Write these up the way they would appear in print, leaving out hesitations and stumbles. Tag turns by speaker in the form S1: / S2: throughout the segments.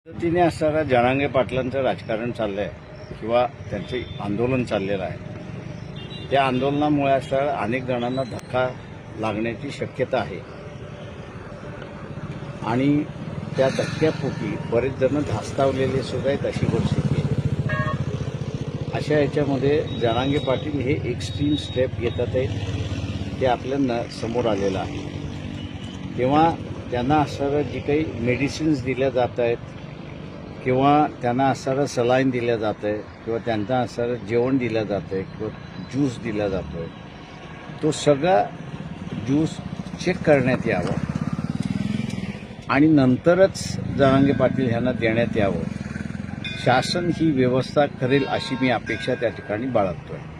S1: पद्धतीने असणारा जरांगे पाटलांचं राजकारण चाललंय किंवा त्यांचे आंदोलन चाललेलं आहे. त्या आंदोलनामुळे असणारा अनेक जणांना धक्का लागण्याची शक्यता आहे आणि त्या धक्क्यापोटी बरेच जण धास्तावलेले सुद्धा आहेत अशी परिस्थिती आहे. अशा याच्यामध्ये जरांगे पाटील हे एक्स्ट्रीम स्टेप घेतात आहेत ते आपल्याला समोर आलेलं आहे. तेव्हा त्यांना असणारं जी काही मेडिसिन्स दिल्या जात आहेत किंवा त्यांना असणारं सलाईन दिलं जातं आहे किंवा त्यांना असणारं जेवण दिलं जातं आहे किंवा ज्यूस दिला जातो आहे, तो सगळा ज्यूस चेक करण्यात यावं आणि नंतरच जरांगे पाटील ह्यांना देण्यात यावं. शासन ही व्यवस्था करेल अशी मी अपेक्षा त्या ठिकाणी बाळगतो आहे.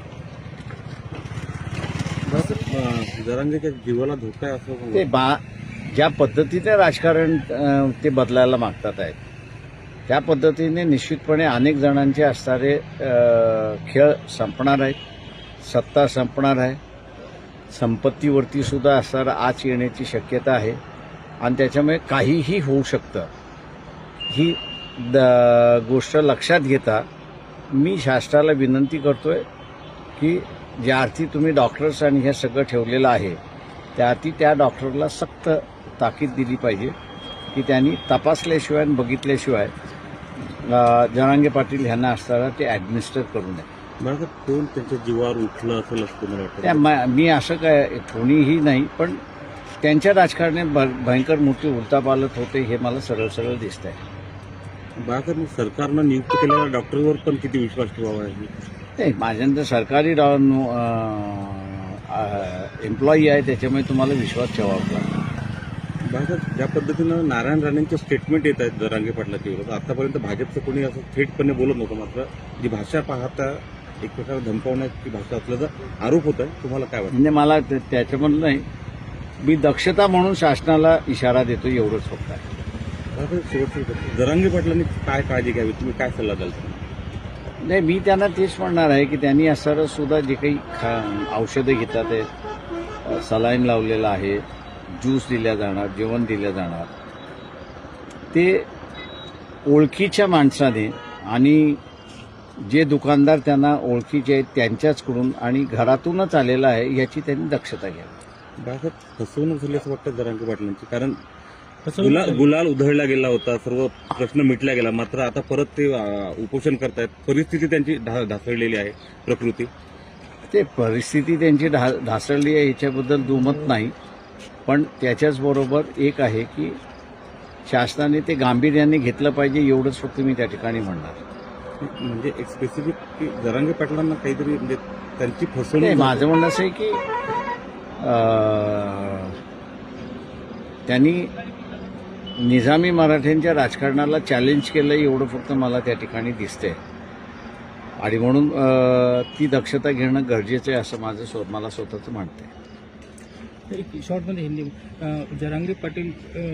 S2: जरांगेच्या जीवाला धोका आहे असं
S1: ते ज्या पद्धतीने राजकारण ते बदलायला मागतात आहेत त्या पद्धतीने निश्चितपणे अनेक जणांचे असणारे खेळ संपणार आहेत, सत्ता संपणार आहे, संपत्तीवरती सुद्धा असणारा आच येण्याची शक्यता आहे आणि त्याच्यामुळे काहीही होऊ शकतं. ही गोष्ट लक्षात घेता मी शासनाला विनंती करतोय की ज्या अर्थी तुम्ही डॉक्टर्स आणि हे सगळं ठेवलेलं आहे त्या अर्थी त्या डॉक्टरला सक्त ताकीद दिली पाहिजे की त्यांनी तपासल्याशिवाय आणि बघितल्याशिवाय जरांगे पाटील ह्यांना असताना ते ॲडमिनिस्टर करू नये.
S2: मला कोण त्यांच्या जीवावर उठलं असेल असं मला वाटतं.
S1: मी असं काय कोणीही नाही, पण त्यांच्या राजकारणात भयंकर मोठी उलथापालथ होते हे मला सरळ सरळ दिसत आहे.
S2: बाळासाहेब, सरकारनं नियुक्त केलेल्या डॉक्टरवर पण किती विश्वास ठेवावा आहे?
S1: नाही, माझ्यानंतर सरकारी एम्प्लॉई आहे त्याच्यामुळे तुम्हाला विश्वास ठेवावा लागतो.
S2: बाळासाहेब, ज्या पद्धतीनं नारायण राणेंचे स्टेटमेंट येत आहेत जरांगे पाटलाच्या विरोधात, आतापर्यंत भाजपचं कोणी असं थेटपणे बोलत नव्हतं, मात्र जी भाषा पाहता एक प्रकारे धमकावण्याची भाषा असल्याचा आरोप होत आहे. तुम्हाला काय वाटतं?
S1: म्हणजे मला त्याच्यामधलं नाही, मी दक्षता म्हणून शासनाला इशारा देतो एवढंच फक्त आहे.
S2: शेवटची जरांगे पाटलांनी काय काळजी घ्यावी, तुम्ही काय सल्ला द्याल?
S1: नाही, मी त्यांना तेच म्हणणार आहे की त्यांनी असणारं सुद्धा जे काही औषधं घेतात आहेत, सलाईन लावलेलं आहे, ज्यूस दिल्या जाणार, जेवण दिलं जाणार, ते ओळखीच्या माणसाने आणि जे दुकानदार त्यांना ओळखीचे आहेत त्यांच्याचकडून आणि घरातूनच आलेलं आहे याची त्यांनी दक्षता घ्यावी.
S2: बाळासाहेब, फसवणूक झाली असं वाटतं जरांगे पाटलांची, कारण गुलाल उधळला गेला होता, सर्व प्रश्न मिटला गेला, मात्र आता परत ते उपोषण करतायत. परिस्थिती त्यांची ढासळलेली आहे, प्रकृती.
S1: ते परिस्थिती त्यांची ढासळली आहे याच्याबद्दल दुमत नाही, पण त्याच्याचबरोबर एक आहे की शासनाने ते गांभीर्याने घेतलं पाहिजे एवढंच फक्त मी त्या ठिकाणी म्हणणार.
S2: म्हणजे एक स्पेसिफिक जरांगे पाटलांना काहीतरी म्हणजे त्यांची फसवणूक.
S1: माझं म्हणणं असं आहे की त्यांनी निजामी मराठ्यांच्या राजकारणाला चॅलेंज केलं एवढं फक्त मला त्या ठिकाणी दिसतंय आणि म्हणून ती दक्षता घेणं गरजेचं आहे असं मला स्वतःचं म्हणतं आहे.
S3: शॉर्ट में हिंदी जरांगे पाटिल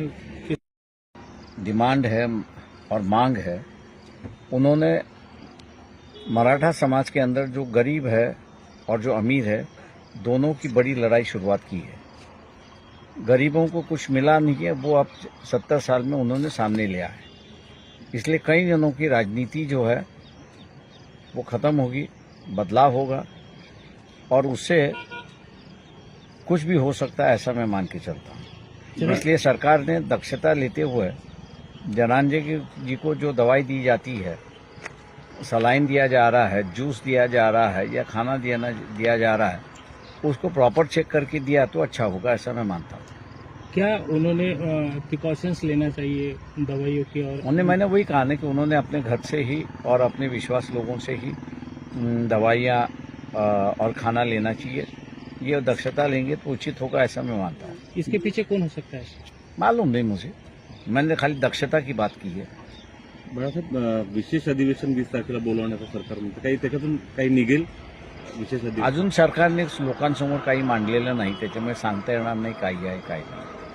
S1: डिमांड है और मांग है. उन्होंने मराठा समाज के अंदर जो गरीब है और जो अमीर है दोनों की बड़ी लड़ाई शुरुआत की है. गरीबों को कुछ मिला नहीं है, वो अब 70 साल में उन्होंने सामने लिया है. इसलिए कई जनों की राजनीति जो है वो ख़त्म होगी, बदलाव होगा और उससे कुछ भी हो सकता है ऐसा मैं मान के चलता हूँ. इसलिए सरकार ने दक्षता लेते हुए जरांगे जी को जो दवाई दी जाती है, सलाइन दिया जा रहा है, जूस दिया जा रहा है या खाना दिया जा रहा है, उसको प्रॉपर चेक करके दिया तो अच्छा होगा ऐसा मैं मानता हूँ.
S3: क्या उन्होंने प्रिकॉशंस लेना चाहिए दवाइयों की? और
S1: मैंने वही कहा ना कि उन्होंने अपने घर से ही और अपने विश्वास लोगों से ही दवाइयाँ और खाना लेना चाहिए. ये दक्षता लेंगे तो उचित होगा ऐसा मैं मानता हूँ.
S3: इसके पीछे कौन हो सकता है
S1: मालूम नहीं मुझे, मैंने खाली दक्षता की बात की है.
S2: बाळासाहेब, विशेष अधिवेशन 20 तारखेला बोलवण्याचं सरकार म्हणतं, काही त्याच्यातून काही निघेल? विशेष अधिवेशन
S1: अजून सरकारने लोकांसमोर काही मांडलेलं नाही, त्याच्यामुळे सांगता येणार नाही काही आहे काय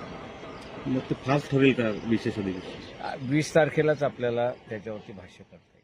S1: नाही.
S2: मग ते फास्ट ठरेल का विशेष अधिवेशन?
S1: 20 तारखेलाच आपल्याला त्याच्यावरती भाष्य करता